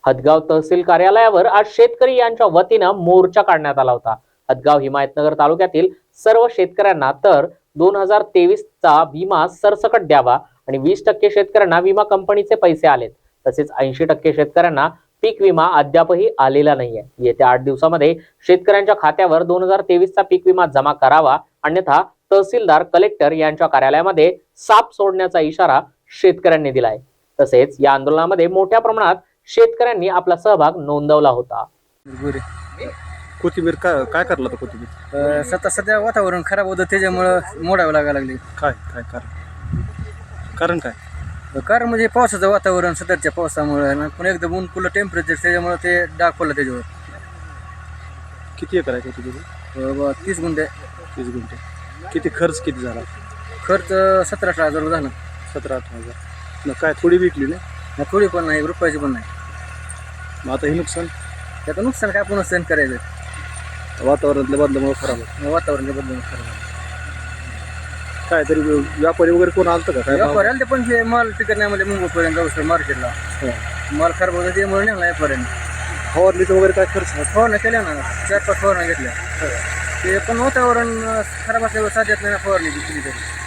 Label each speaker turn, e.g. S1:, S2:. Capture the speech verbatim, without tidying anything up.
S1: हदगाव तहसील कार्यालयावर आज शेतकरी यांच्या वतीनं मोर्चा काढण्यात आला होता। हदगाव हिमायतनगर तालुक्यातील सर्व शेतकऱ्यांना तर दोन हजार तेवीस चा विमा सरसकट द्यावा आणि वीस टक्के शेतकऱ्यांना विमा कंपनीचे पैसे आलेत, तसेच ऐंशी टक्के शेतकऱ्यांना पीक विमा अद्यापही आलेला नाहीये। येत्या आठ दिवसामध्ये शेतकऱ्यांच्या खात्यावर दोन हजार तेवीस चा पीक विमा जमा करावा, अन्यथा तहसीलदार कलेक्टर यांच्या कार्यालयामध्ये साप सोडण्याचा इशारा शेतकऱ्यांनी दिलाय। तसेच या आंदोलनामध्ये मोठ्या प्रमाणात शेतकऱ्यांनी आपला सहभाग नोंदवला होता।
S2: कोथिंबीर काय काय करला तर कोथिंबीर
S3: सध्या सध्या वातावरण खराब होतं, त्याच्यामुळं मोडावं लागायला लागली।
S2: काय काय कारण कारण काय
S3: कारण म्हणजे पावसाचं वातावरण, सध्याच्या पावसामुळे ना पण एकदम ऊन पुलं टेम्परेचर, त्याच्यामुळे ते डाग पडलं त्याच्यावर।
S2: किती एकर आहे कोथिंबीर?
S3: ब- तीस गुंठे।
S2: तीस गुंठे। किती खर्च किती झाला?
S3: खर्च सतरा अठरा हजार रुपये झाला।
S2: सतरा अठरा हजार मग काय थोडी विकली ना?
S3: ना थोडी पण नाही, रुपयाची पण नाही।
S2: मग आता हे नुकसान
S3: त्याचं नुकसान काय पुन्हा सहन करायचं,
S2: वातावरणातल्या बदलामुळे खराब होतं।
S3: वातावरण बदलून खराब।
S2: काय तरी व्यापारी वगैरे कोण आलतं का काय?
S3: व्यापारी आले ते पण ते माल टिकत नाही म्हणजे मुंबईपर्यंत जाऊ शकतो मार्केटला, माल खराब होतं त्यामुळे नेला व्यापाऱ्यांनी।
S2: फवारणीचं वगैरे काय खर्च?
S3: फवारण्या केल्या ना, चार पाच फवारण्या घेतल्या। ते पण वातावरण खराब असल्यावर साध्यात नाही ना फवारणी केली तरी।